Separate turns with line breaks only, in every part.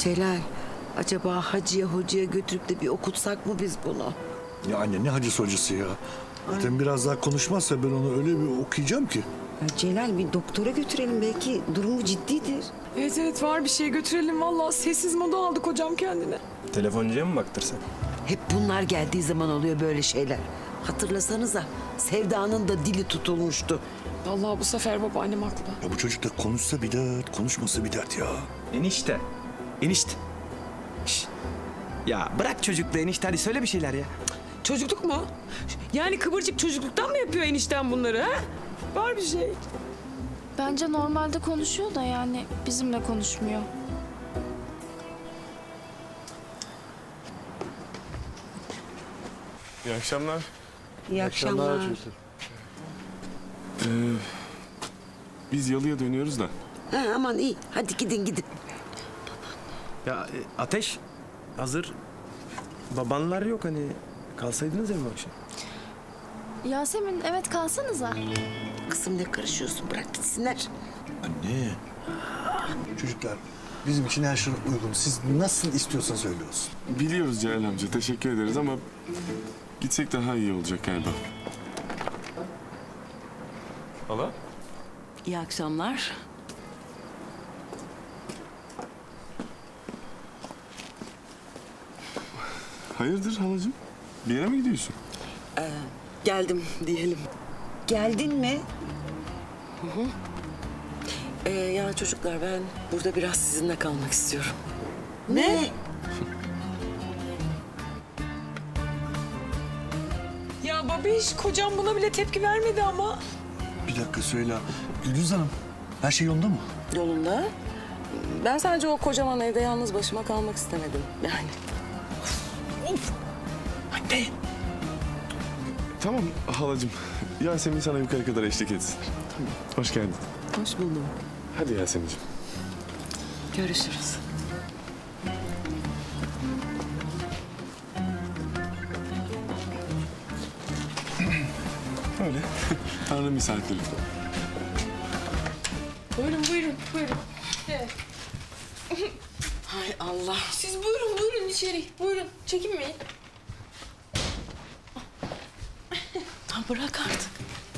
Celal, acaba hacıya hocaya götürüp de bir okutsak mı biz bunu?
Ya anne ne hacısı hocası ya. Zaten biraz daha konuşmazsa ben onu öyle bir okuyacağım ki.
Ya Celal, bir doktora götürelim, belki durumu ciddidir.
Evet var bir şey götürelim. Vallahi sessiz moda aldık hocam kendine.
Telefoncuya mı baktırsak?
Hep bunlar geldiği zaman oluyor böyle şeyler. Hatırlasanıza, Sevda'nın da dili tutulmuştu.
Vallahi bu sefer babaannem haklı.
Ya bu çocuk da konuşsa bir dert, konuşmasa bir dert ya.
Enişte. Enişte. Şş. Ya bırak çocukla enişte, hadi söyle bir şeyler ya.
Çocukluk mu? Yani kıvırcık çocukluktan mı yapıyor enişten bunları ha? Var bir şey.
Bence normalde konuşuyor da yani bizimle konuşmuyor.
İyi akşamlar.
İyi akşamlar.
Biz Yalı'ya dönüyoruz da.
Ha, aman iyi, hadi gidin gidin.
Ya Ateş, hazır babanlar yok, hani kalsaydınız ya bu akşam.
Yasemin evet kalsanıza.
Kızım ne karışıyorsun, bırak gitsinler.
Anne. Çocuklar bizim için her şey uygun. Siz nasıl istiyorsanız öyle olsun.
Biliyoruz Celal amca, teşekkür ederiz ama gitsek daha iyi olacak galiba. Hala?
İyi akşamlar.
Hayırdır halacığım? Bir yere mi gidiyorsun?
Geldim diyelim.
Geldin mi?
Ya çocuklar, ben burada biraz sizinle kalmak istiyorum.
Ne?
Ya babiş, kocam buna bile tepki vermedi ama.
Bir dakika söyle. Gülüz Hanım, her şey yolunda mı?
Yolunda. Ben sadece o kocaman evde yalnız başıma kalmak istemedim yani.
Anne.
Tamam halacığım. Yasemin sana yukarı kadar eşlik etsin. Tamam. Hoş geldin.
Hoş buldum.
Hadi Yasemin'ciğim.
Görüşürüz.
Öyle. Tanrı misafiri.
Buyurun buyurun.
Hay Allah.
Siz buyurun içeri. Buyurun, çekinmeyin.
Ha, bırak artık.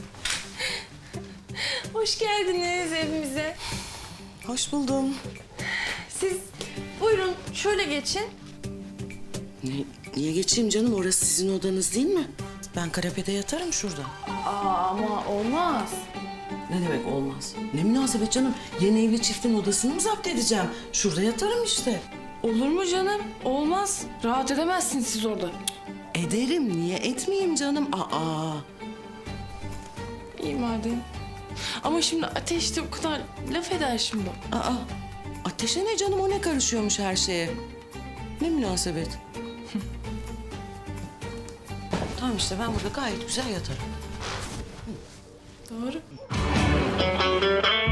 Hoş geldiniz evimize.
Hoş buldum.
Siz buyurun şöyle geçin.
Niye geçeyim canım? Orası sizin odanız değil mi? Ben kanepede yatarım şurada.
Ama olmaz.
Ne demek olmaz? Ne münasebet canım? Yeni evli çiftin odasını mı zapt edeceğim? Şurada yatarım işte.
Olur mu canım? Olmaz. Rahat edemezsiniz siz orada.
Ederim. Niye etmeyeyim canım? Aa.
İyi madem. Ama şimdi Ateş de o kadar laf eder şimdi.
Aa. Ateşe ne canım? O ne karışıyormuş her şeye? Ne münasebet? Tamam işte ben burada gayet güzel yatarım.
Doğru.